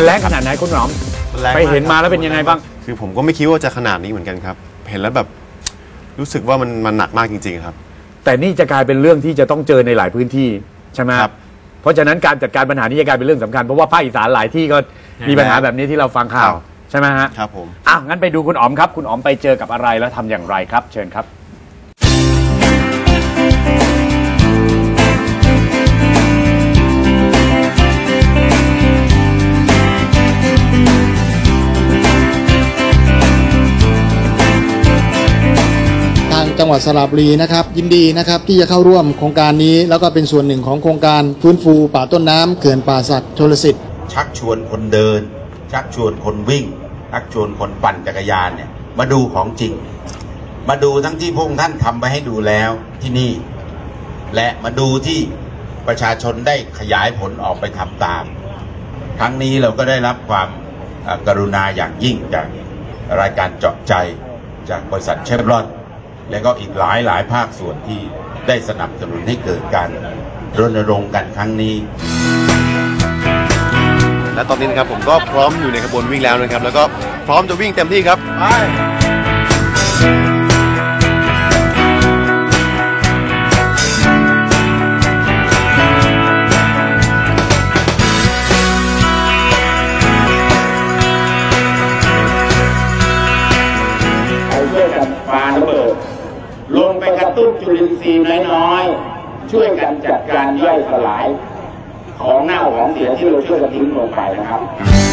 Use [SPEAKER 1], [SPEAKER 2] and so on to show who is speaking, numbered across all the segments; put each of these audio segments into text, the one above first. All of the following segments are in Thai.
[SPEAKER 1] มันแรงขนาดไหนคุณหนอมไปเห็นมาแล้วเป็นยังไงบ้าง
[SPEAKER 2] คือผมก็ไม่คิดว่าจะขนาดนี้เหมือนกันครับเห็นแล้วแบบรู้สึกว่ามันหนักมากจริงๆครับ
[SPEAKER 1] แต่นี่จะกลายเป็นเรื่องที่จะต้องเจอในหลายพื้นที่ใช่ไหมครับเพราะฉะนั้นการจัดการปัญหานี้จะกลายเป็นเรื่องสำคัญเพราะว่าภาคอีสานหลายที่ก็มีปัญหาแบบนี้ที่เราฟังข่าวใช่ไหมฮะ
[SPEAKER 2] ครับผม
[SPEAKER 1] งั้นไปดูคุณอ๋อมครับคุณอ๋อมไปเจอกับอะไรแล้วทำอย่างไรครับเชิญครับ
[SPEAKER 3] จังหวัดสระบุรีนะครับยินดีนะครับที่จะเข้าร่วมโครงการนี้แล้วก็เป็นส่วนหนึ่งของโครงการฟื้นฟูป่าต้นน้ำเขื่อนป่าสักชลสิทธิ์
[SPEAKER 4] ชักชวนคนเดินชักชวนคนวิ่งชักชวนคนปั่นจักรยานเนี่ยมาดูของจริงมาดูทั้งที่พวกท่านทำไปให้ดูแล้วที่นี่และมาดูที่ประชาชนได้ขยายผลออกไปทำตามครั้งนี้เราก็ได้รับความกรุณาอย่างยิ่งจากรายการเจาะใจจากบริษัทเชฟรอนและก็อีกหลายภาคส่วนที่ได้สนับสนุนให้เกิดการรณรงค์กันครั้งนี้
[SPEAKER 2] และตอนนี้นะครับผมก็พร้อมอยู่ในขบวนวิ่งแล้วนะครับแล้วก็พร้อมจะวิ่งเต็มที่ครับไป
[SPEAKER 4] ลงไปกระตุ้นจุลินทรีย์น้อยๆช่วยกันจัดการย่อยสลายของเน่าของเสียที่เราช่วยกันทิ้งลงไปนะครับ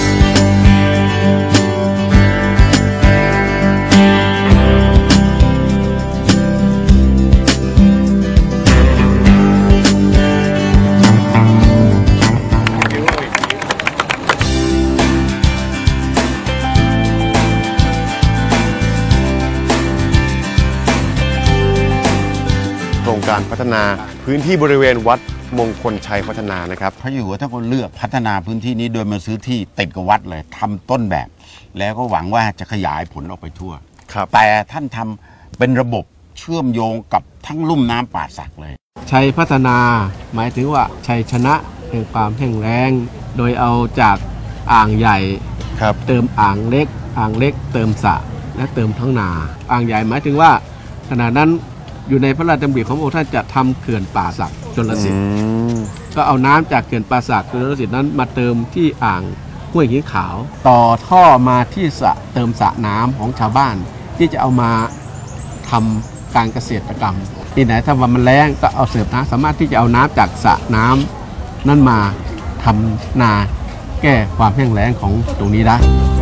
[SPEAKER 2] โครงการพัฒนาพื้นที่บริเวณวัดมงคลชัยพัฒนานะครับ
[SPEAKER 4] พระอยู่หัวท่านก็เลือกพัฒนาพื้นที่นี้โดยมาซื้อที่ติดกับวัดเลยทำต้นแบบแล้วก็หวังว่าจะขยายผลออกไปทั่วแต่ท่านทำเป็นระบบเชื่อมโยงกับทั้งลุ่มน้ำป่าสักเลย
[SPEAKER 5] ชัยพัฒนาหมายถึงว่าชัยชนะแห่งความแห้งแล้งโดยเอาจากอ่างใหญ่เติมอ่างเล็กเติมสระและเติมท้องนาอ่างใหญ่หมายถึงว่าขณะนั้นอยู่ในพระราชดำริของพระองค์ท่านจะทำเขื่อนป่าสักชลสิทธิ์ก็เอาน้ำจากเขื่อนป่าสักชลสิทธิ์นั้นมาเติมที่อ่างห้วยหินขาวต่อท่อมาที่สระเติมสระน้ำของชาวบ้านที่จะเอามาทำการเกษตรกรรมที่ไหนถ้าว่ามันแล้งก็เอาเสิร์ฟน้ำสามารถที่จะเอาน้ำจากสระน้ำนั่นมาทำนาแก้ความแห้งแล้งของตรงนี้ได้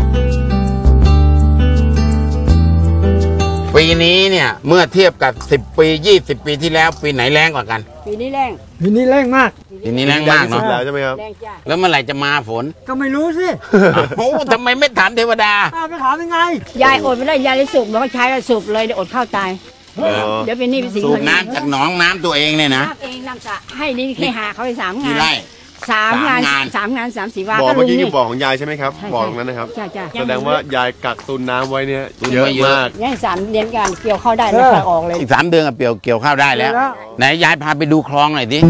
[SPEAKER 4] ปีนี้เนี่ยเมื่อเทียบกับ10 ปี20 ปีที่แล้วปีไหนแรงกว่ากัน
[SPEAKER 6] ปีนี้แรงมาก
[SPEAKER 4] ปีนี้แรงมากเนาะ
[SPEAKER 2] แล้วใช่ไหมครับ
[SPEAKER 4] แล้วเมื่อไหร่จะมาฝน
[SPEAKER 6] ก็ไม่รู้สิ
[SPEAKER 4] โอ้ทำไมไม่ถามเทวดา
[SPEAKER 6] ไม่ถามยังไงยายอดไม่ได้ยายเลยสูบมันก็ใช้แล้วสูบเลยเดี๋ยวอดข้าวตายเดี๋ยวเป็นนี่เป็นสิ่ง
[SPEAKER 4] สูบน้ำจากหนองน้ำตัวเองเนี่ยนะ
[SPEAKER 6] เองน้ำสระให้นี่แค่หาเขาไป3 งาน
[SPEAKER 4] 3
[SPEAKER 6] งาน3 4 วัน
[SPEAKER 2] บ่อเมื่อกี้คือบ่อของยายใช่ไหมครับบ่อตรงนั้นนะครับแสดงว่ายายกักตุนน้ำไว้เนี่ยเยอะมาก
[SPEAKER 6] นี่3 เดือนกันเกี่ยวข้าวได้แล้วออกเลย
[SPEAKER 4] อีก3 เดือนกับเกี่ยวข้าวได้แล้วไหนยายพาไปดูคลองหน่อยดิ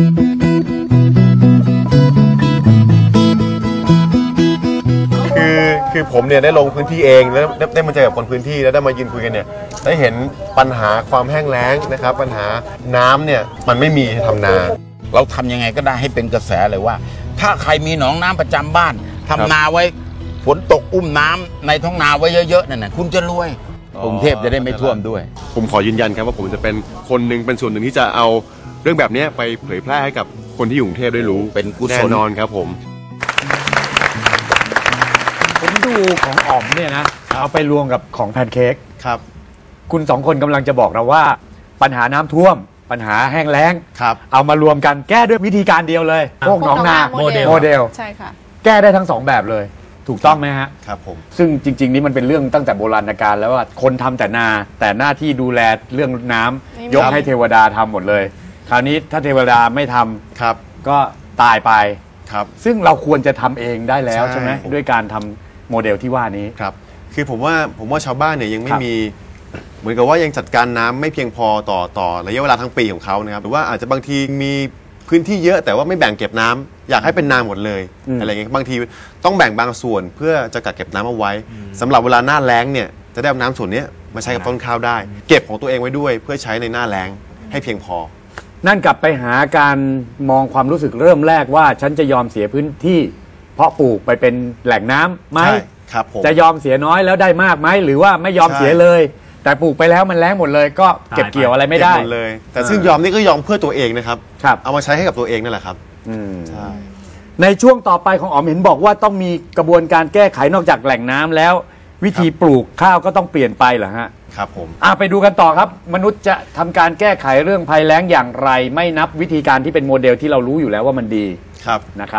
[SPEAKER 2] คือผมเนี่ยได้ลงพื้นที่เองแล้วได้มาเจอกับคนพื้นที่แล้วได้มายืนคุยกันเนี่ยได้เห็นปัญหาความแห้งแล้งนะครับปัญหาน้ำเนี่ยมันไม่มีทำนา
[SPEAKER 4] เราทำยังไงก็ได้ให้เป็นกระแสเลยว่าถ้าใครมีหนองน้ำประจำบ้านทำนาไว้ฝนตกอุ้มน้ำในท้องนาไว้เยอะๆนั่นน่ะคุณจะรวยกรุงเทพจะได้ไม่ท่วมด้วย
[SPEAKER 2] ผมขอยืนยันครับว่าผมจะเป็นคนหนึ่งเป็นส่วนหนึ่งที่จะเอาเรื่องแบบนี้ไปเผยแพร่ให้กับคนที่อยู่กรุงเทพได้รู้
[SPEAKER 4] เป็นกุศล
[SPEAKER 2] แน่นอนครับผม
[SPEAKER 1] ดูของอ๋อมเนี่ยนะเอาไปรวมกับของแพนเค้ก
[SPEAKER 2] ครับ
[SPEAKER 1] คุณ2 คนกำลังจะบอกเราว่าปัญหาน้ำท่วมปัญหาแห้งแล้งเอามารวมกันแก้ด้วยวิธีการเดียวเลยพวกหนองนาโมเดล
[SPEAKER 6] ใช่ค่ะ
[SPEAKER 1] แก้ได้ทั้ง2 แบบเลยถูกต้องไหมฮะ
[SPEAKER 2] ครับผม
[SPEAKER 1] ซึ่งจริงๆนี้มันเป็นเรื่องตั้งแต่โบราณกาลแล้วว่าคนทำแต่นาแต่หน้าที่ดูแลเรื่องน้ำยกให้เทวดาทำหมดเลยคราวนี้ถ้าเทวดาไม่ทำ
[SPEAKER 2] ครับ
[SPEAKER 1] ก็ตายไป
[SPEAKER 2] ครับ
[SPEAKER 1] ซึ่งเราควรจะทำเองได้แล้วใช่ไหมด้วยการทำโมเดลที่ว่านี้
[SPEAKER 2] ครับคือผมว่าชาวบ้านเนี่ยยังไม่มีเหมือนกับว่ายังจัดการน้ำไม่เพียงพอต่อระยะเวลาทั้งปีของเขานะครับหรือว่าอาจจะบางทีมีพื้นที่เยอะแต่ว่าไม่แบ่งเก็บน้อยากให้เป็นนาหมดเลย อะไรเงี้ยบางทีต้องแบ่งบางส่วนเพื่อจะกักเก็บน้ำเอาไว้สำหรับเวลาหน้าแล้งเนี่ยจะได้เอาน้ำส่วนนี้มาใช้กับต้นข้าวได้ เก็บของตัวเองไว้ด้วยเพื่อใช้ในหน้าแล้งให้เพียงพอ
[SPEAKER 1] นั่นกลับไปหาการมองความรู้สึกเริ่มแรกว่าฉันจะยอมเสียพื้นที่เพาะปลูกไปเป็นแหล่งน้ำไหม
[SPEAKER 2] ครับผม
[SPEAKER 1] จะยอมเสียน้อยแล้วได้มากไหมหรือว่าไม่ยอมเสียเลยแต่ปลูกไปแล้วมันแล้งหมดเลยก็เก็บเกี่ยวอะไรไม่ได้
[SPEAKER 2] หมดเลยแต่ซึ่งยอมนี่ก็ยอมเพื่อตัวเองนะครับเอามาใช้ให้กับตัวเองนั่นแหละครับใช่
[SPEAKER 1] ในช่วงต่อไปของอ๋อมเห็นบอกว่าต้องมีกระบวนการแก้ไขนอกจากแหล่งน้ำแล้ววิธีปลูกข้าวก็ต้องเปลี่ยนไปเหรอฮะ
[SPEAKER 2] ครับผม
[SPEAKER 1] ไปดูกันต่อครับมนุษย์จะทำการแก้ไขเรื่องภัยแล้งอย่างไรไม่นับวิธีการที่เป็นโมเดลที่เรารู้อยู่แล้วว่ามันดีนะครับ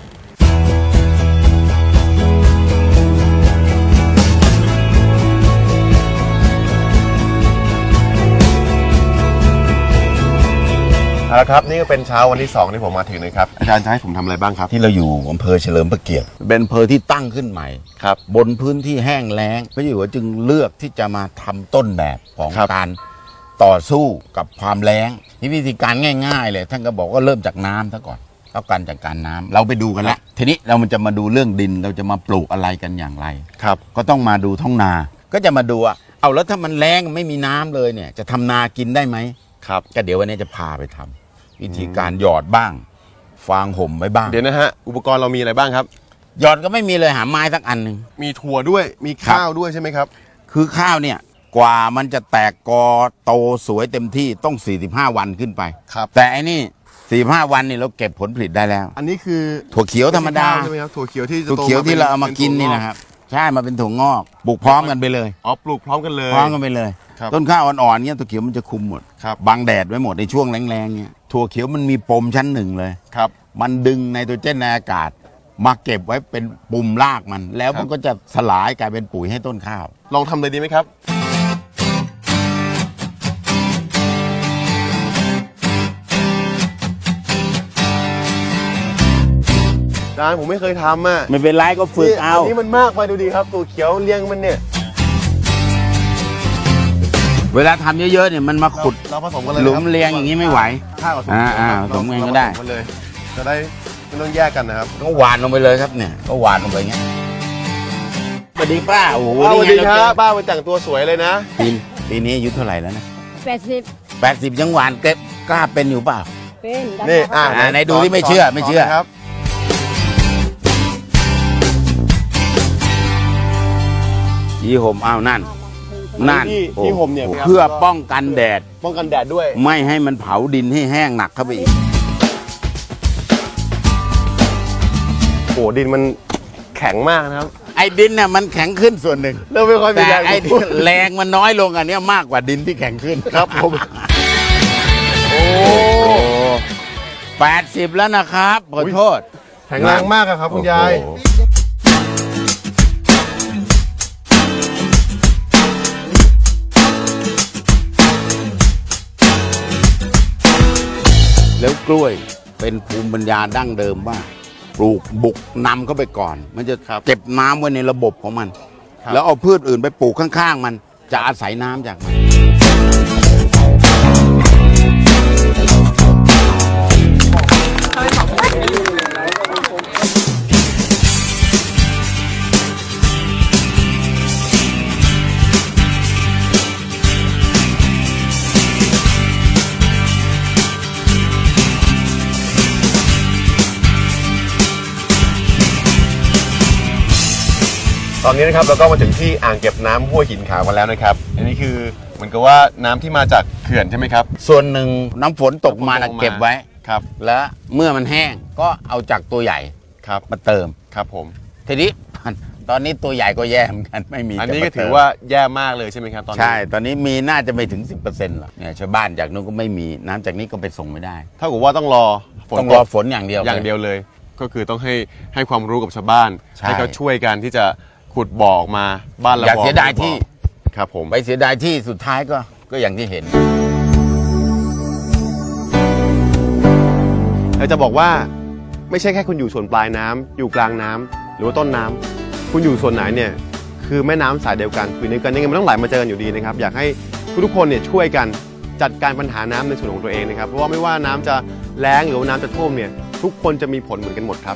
[SPEAKER 2] เอาละครับนี่ก็เป็นเช้าวันที่2ที่ผมมาถึงนะครับอาจารย์จะให้ผมทำอะไรบ้างครับ
[SPEAKER 4] ที่เราอยู่อำเภอเฉลิมพระเกียรติเป็นอำเภอที่ตั้งขึ้นใหม่
[SPEAKER 2] ครับ
[SPEAKER 4] บนพื้นที่แห้งแล้งพระเจ้าอยู่หัวจึงเลือกที่จะมาทำต้นแบบของการต่อสู้กับความแล้งวิธีการง่ายๆเลยท่านก็บอกว่าเริ่มจากน้ำซะก่อนต้องการจากการน้ำเราไปดูกันแล้วทีนี้เรามันจะมาดูเรื่องดินเราจะมาปลูกอะไรกันอย่างไร
[SPEAKER 2] ครับ
[SPEAKER 4] ก็ต้องมาดูท้องนาก็จะมาดูว่าเอาแล้วถ้ามันแล้งไม่มีน้ำเลยเนี่ยจะทำนากินได้ไหม
[SPEAKER 2] ครับ
[SPEAKER 4] ก็เดี๋ยววันนี้จะพาไปทำวิธีการหยอดบ้างฟางห่มไว้บ้าง
[SPEAKER 2] เดี๋ยวนะฮะอุปกรณ์เรามีอะไรบ้างครับ
[SPEAKER 4] หยอดก็ไม่มีเลยหาไม้สักอันหนึ่ง
[SPEAKER 2] มีถั่วด้วยมีข้าวด้วยใช่ไหมครับ
[SPEAKER 4] คือข้าวเนี่ยกว่ามันจะแตกกอโตสวยเต็มที่ต้อง45วันขึ้นไป
[SPEAKER 2] ครับ
[SPEAKER 4] แต่อันนี้45วันนี่เราเก็บผลผลิตได้แล้ว
[SPEAKER 2] อันนี้คือ
[SPEAKER 4] ถั่วเขียวธรรมดา
[SPEAKER 2] ใช่ไหมครับถั่วเขียว
[SPEAKER 4] ที่เราเอามากินนี่นะครับใช่มาเป็นถั่วงอกปลูกพร้อมกันไปเลย
[SPEAKER 2] ปลูกพร้อมกันเลย
[SPEAKER 4] พร้อมกันไปเลยต้นข้าวอ่อนๆเนี่ยถั่วเขียวมันจะคุมหมดบังแดดไว้หมดในช่วงแรงๆเนี่ยถั่วเขียวมันมีปมชั้นหนึ่งเลย
[SPEAKER 2] ครับ
[SPEAKER 4] มันดึงไนโตรเจนในอากาศมาเก็บไว้เป็นปุ่มรากมันแล้วมันก็จะสลายกลายเป็นปุ๋ยให้ต้นข้าว
[SPEAKER 2] ลองทำเลยดีไหมครับอาจารย์ผมไม่เคยทำ
[SPEAKER 4] ไม่เป็นไรก็ฝึกเอา
[SPEAKER 2] อันนี้มันมากไปดูดีครับถั่วเขียวเลี้ยงมันเนี่ย
[SPEAKER 4] เวลาทำเยอะๆเนี่ยมันมาขุด
[SPEAKER 2] เราผสมกันเลย
[SPEAKER 4] หลุมเรียงอย่างนี้ไม่ไหว
[SPEAKER 2] ข้าวผสม
[SPEAKER 4] ผสมกันก็ได้
[SPEAKER 2] จะได้ไม่ต้องแยกกันนะครับ
[SPEAKER 4] ก็หวานลงไปเลยครับเนี่ยก็หวานลงไปอย่างเงี้ยสวัสดีป้าโอ้โห
[SPEAKER 2] สวัสดีครับป้ามาแต่งตัวสวยเลยนะ
[SPEAKER 4] ปีนี้อายุเท่าไหร่แล้วนะ
[SPEAKER 6] 80
[SPEAKER 4] ยังหวานเก็บกล้าเป็นอยู่เปล่า
[SPEAKER 6] เป็น
[SPEAKER 2] นี่
[SPEAKER 4] ไหนดูที่ไม่เชื่อ
[SPEAKER 2] ครับ
[SPEAKER 4] ยีห่มนั่น
[SPEAKER 2] ที่ห่มเนี่ย
[SPEAKER 4] เพื่อป้องกันแดด
[SPEAKER 2] ด้วย
[SPEAKER 4] ไม่ให้มันเผาดินให้แห้งหนักเข้าไปอีก
[SPEAKER 2] โอ้ดินมันแข็งมากนะครับ
[SPEAKER 4] ไอ้ดินเนี่ยมันแข็งขึ้นส่วนหนึ่ง
[SPEAKER 2] เราไม่ค่อยมีแรง
[SPEAKER 4] ไอ้แรงมันน้อยลงอันนี้มากกว่าดินที่แข็งขึ้น
[SPEAKER 2] ครับผม
[SPEAKER 4] โอ้80แล้วนะครับขอโทษ
[SPEAKER 2] แข็งแรงมากครับคุณยาย
[SPEAKER 4] แล้วกล้วยเป็นภูมิปัญญาดั้งเดิมว่าปลูกบุกนำเข้าไปก่อนมันจะเก็บน้ำไว้ในระบบของมันแล้วเอาพืชอื่นไปปลูกข้างๆมันจะอาศัยน้ำจากมัน
[SPEAKER 2] ตอนนี้นะครับเราก็มาถึงที่อ่างเก็บน้ำห้วยหินขาวกันแล้วนะครับอันนี้คือเหมือนกับว่าน้ำที่มาจากเขื่อนใช่ไหมครับ
[SPEAKER 4] ส่วนหนึ่งน้ำฝนตกมาเก็บไว้
[SPEAKER 2] ครับ
[SPEAKER 4] แล้วเมื่อมันแห้งก็เอาจากตัวใหญ่
[SPEAKER 2] ครับ
[SPEAKER 4] มาเติม
[SPEAKER 2] ครับผม
[SPEAKER 4] ทีนี้ตอนนี้ตัวใหญ่ก็แย่เหมือนกันไม่มี
[SPEAKER 2] อันนี้ก็ถือว่าแย่มากเลยใช่ไหมครับตอนนี้
[SPEAKER 4] ใช่ตอนนี้มีน่าจะไม่ถึง 10% หรอกเนี่ยชาวบ้านจากนู้นก็ไม่มีน้ำจากนี้ก็ไปส่งไม่ได้
[SPEAKER 2] เท่ากับว่าต้องรอ
[SPEAKER 4] ฝนอย่างเดียว
[SPEAKER 2] เลย ก็คือต้องให้ความรู้กับชาวบ้านให้เขาช่วยกันที่จะขุดบ่อออกมาบ้านเรา
[SPEAKER 4] อย่าเสียดายที่
[SPEAKER 2] ครับผม
[SPEAKER 4] ไปเสียดายที่สุดท้ายก็อย่างที่เห็น
[SPEAKER 2] เราจะบอกว่าไม่ใช่แค่คุณอยู่ส่วนปลายน้ำอยู่กลางน้ำหรือว่าต้นน้ำคุณอยู่ส่วนไหนเนี่ยคือแม่น้ำสายเดียวกันคือในกันยังไงมันต้องไหลมาเจอกันอยู่ดีนะครับอยากให้ทุกคนเนี่ยช่วยกันจัดการปัญหาน้ำในส่วนของตัวเองนะครับเพราะว่าไม่ว่าน้ำจะแล้งหรือว่าน้ำจะท่วมเนี่ยทุกคนจะมีผลเหมือนกันหมดครับ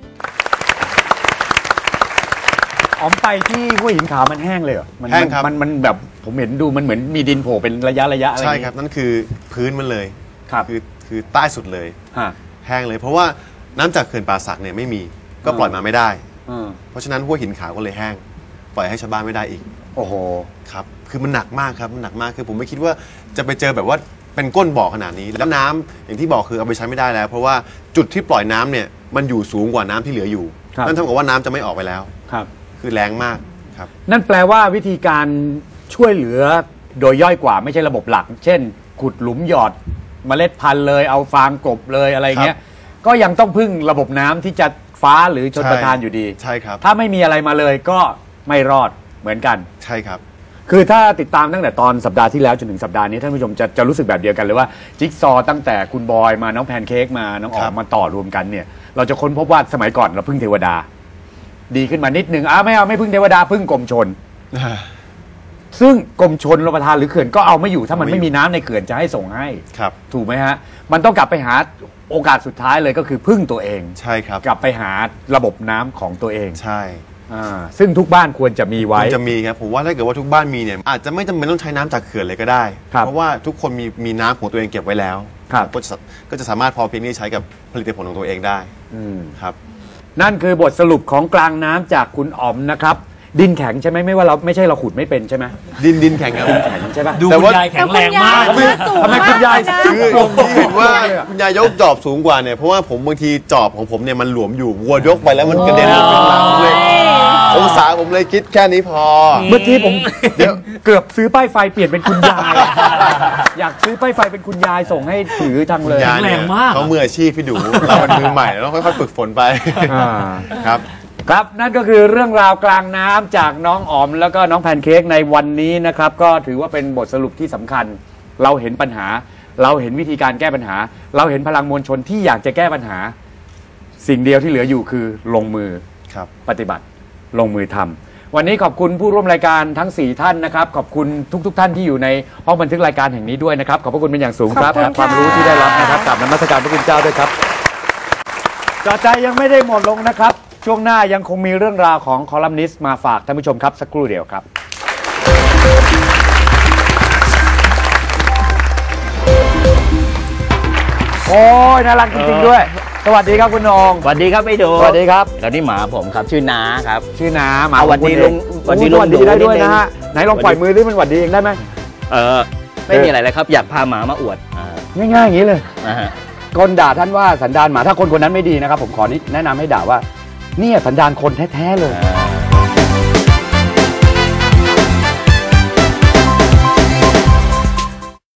[SPEAKER 1] อ๋อมไปที่ห้วยหินขาวมันแห้งเลยเหรอ
[SPEAKER 2] แห้งครับ
[SPEAKER 1] มันแบบผมเห็นดูมันเหมือนมีดินโผล่เป็นระยะอะไร
[SPEAKER 2] ใช่ครับนั่นคือพื้นมันเลย
[SPEAKER 1] ครับ
[SPEAKER 2] คือใต้สุดเลย
[SPEAKER 1] ฮะ
[SPEAKER 2] แห้งเลยเพราะว่าน้ำจากเขื่อนป่าสักเนี่ยไม่มีก็ปล่อยมาไม่ได้ เพราะฉะนั้นห้วยหินขาวก็เลยแห้งปล่อยให้ชาวบ้านไม่ได้อีก
[SPEAKER 1] โอ้โห
[SPEAKER 2] ครับคือมันหนักมากครับมันหนักมากคือผมไม่คิดว่าจะไปเจอแบบว่าเป็นก้นบ่อขนาดนี้แล้วน้ำอย่างที่บอกคือเอาไปใช้ไม่ได้แล้ว เพราะว่าจุดที่ปล่อยน้ำเนี่ยมันอยู่สูงกว่าน้ำที่เหลืออยู่
[SPEAKER 1] ครับ
[SPEAKER 2] นั่นเท่ากับว่าน้ำจะไม่ออกไปแล้ว
[SPEAKER 1] ครับ
[SPEAKER 2] คือแรงมากครับ
[SPEAKER 1] นั่นแปลว่าวิธีการช่วยเหลือโดยย่อยกว่าไม่ใช่ระบบหลัก เช่น ขุดหลุมหยอดเมล็ดพันธุ์เลยเอาฟางกบเลยอะไรเงี้ยก็ยังต้องพึ่งระบบน้ำที่จะฟ้าหรือชลประทานอยู่ดี
[SPEAKER 2] ใช่ครับ
[SPEAKER 1] ถ้าไม่มีอะไรมาเลยก็ไม่รอดเหมือนกัน
[SPEAKER 2] ใช่ครับ
[SPEAKER 1] คือถ้าติดตามตั้งแต่ตอนสัปดาห์ที่แล้วจนถึงสัปดาห์นี้ท่านผู้ชมจะรู้สึกแบบเดียวกันเลยว่าจิ๊กซอว์ตั้งแต่คุณบอยมาน้องแพนเค้กมาน้องออ
[SPEAKER 2] ครั
[SPEAKER 1] ม
[SPEAKER 2] บ
[SPEAKER 1] มาต่อรวมกันเนี่ยเราจะค้นพบว่าสมัยก่อนเราพึ่งเทวดา ดีขึ้นมานิดนึงไม่เอาไม่พึ่งเทวดาพึ่งกรมชน ซึ่งกรมชนรประทานหรือเขื่อนก็เอาไม่อยู่ถ้ามันไม่มีน้ำในเขื่อนจะให้ส่งให้
[SPEAKER 2] ครับ
[SPEAKER 1] ถูกไหมฮะมันต้องกลับไปหาโอกาสสุดท้ายเลยก็คือพึ่งตัวเอง
[SPEAKER 2] ใช่ครับ
[SPEAKER 1] กลับไปหาระบบน้ำของตัวเอง
[SPEAKER 2] ใช่
[SPEAKER 1] ซึ่งทุกบ้านควรจะมีไว้
[SPEAKER 2] มันจะมีครับผมว่าถ้าเกิดว่าทุกบ้านมีเนี่ยอาจจะไม่จำเป็นต้องใช้น้ำจากเขื่อนเลยก็ได้
[SPEAKER 1] ครับ
[SPEAKER 2] เพราะว่าทุกคนมีน้ำของตัวเองเก็บไว้แล้ว
[SPEAKER 1] ครับ
[SPEAKER 2] ก็จะสามารถพอเพียงที่จะใช้กับผลิตผลของตัวเองได้ครับ
[SPEAKER 1] นั่นคือบทสรุปของกลางน้ำจากคุณอ๋อมนะครับ ดินแข็งใช่ไหมไม่ใช่เราขุดไม่เป็นใช่ไหม
[SPEAKER 2] ดินแข็งครับ
[SPEAKER 1] แข็งใช่ปะ
[SPEAKER 7] ดู
[SPEAKER 2] แต่
[SPEAKER 7] คุณ
[SPEAKER 2] ว่า
[SPEAKER 7] ยายแข็งแรงมาก
[SPEAKER 1] ทำไมคุณยาย
[SPEAKER 2] คือที่เห็นว่าคุณยายยกจอบสูงกว่าเนี่ยเพราะว่าผมบางทีจอบของผมเนี่ยมันหลวมอยู่วัวยกไปแล้วมันกระเด็นลงไปข้างหลังเลยองศาผมเลยคิดแค่นี้พอ
[SPEAKER 1] เมื่อกี้ผมเกือบซื้อป้ายไฟเปลี่ยนเป็นคุณยาย อยากซื้อป้ายไฟเป็นคุณยายส่งให้ถือจังเลย
[SPEAKER 2] ยายเนี่ย
[SPEAKER 7] แรงมาก
[SPEAKER 2] เขามืออาชีพพี่ดูเราเป็นมือใหม่เราต้องค่อยๆฝึกฝนไป ครับ
[SPEAKER 1] ครับนั่นก็คือเรื่องราวกลางน้ำจากน้องอ๋อมแล้วก็น้องแพนเค้กในวันนี้นะครับก็ถือว่าเป็นบทสรุปที่สำคัญ เราเห็นปัญหา เราเห็นวิธีการแก้ปัญหา เราเห็นพลังมวลชนที่อยากจะแก้ปัญหา สิ่งเดียวที่เหลืออยู่คือลงมือ
[SPEAKER 2] ครับ
[SPEAKER 1] ปฏิบัติลงมือทำวันนี้ขอบคุณผู้ร่วมรายการทั้ง 4 ท่านนะครับขอบคุณทุกท่านที่อยู่ในห้องบันทึกรายการแห่งนี้ด้วยนะครับขอบพระคุณเป็นอย่างสูงครับ
[SPEAKER 6] ขอบคุณค่ะ
[SPEAKER 1] ความรู้ที่ได้รับนะครับกราบนมัสการพระคุณเจ้าด้วยครับจอใจยังไม่ได้หมดลงนะครับช่วงหน้ายังคงมีเรื่องราวของคอลัมนิสต์มาฝากท่านผู้ชมครับสักครู่เดียวครับโอ้ยน่ารักจริงๆด้วยสวัสดีครับคุณนง
[SPEAKER 8] สวัสดีครับพี่ดู
[SPEAKER 1] สวัสดีครับ
[SPEAKER 8] แล้วนี่หมาผมครับชื่อน้าครับ
[SPEAKER 1] ชื่อน้าหมา
[SPEAKER 8] เอา
[SPEAKER 1] ของคุณ
[SPEAKER 8] หวัดดีลุง
[SPEAKER 1] เอง
[SPEAKER 8] หวัดดีลุง
[SPEAKER 1] โอ้สวัสดีได้ด้วย
[SPEAKER 8] นิดนึง
[SPEAKER 1] นะฮะไหนลองปล่อยมือดิมันหวัดดีเองได้ไหม
[SPEAKER 8] ไม่มีอะไรเลยครับ อยากพาหมามาอวด
[SPEAKER 1] ง่ายๆอย่างนี้เลย
[SPEAKER 8] นะฮะ
[SPEAKER 1] คนด่าท่านว่าสันดานหมาถ้าคนคนนั้นไม่ดีนะครับผมขอแนะนำให้ด่าว่าเนี่ยสันดานคนแท้ๆเลย
[SPEAKER 8] อ่า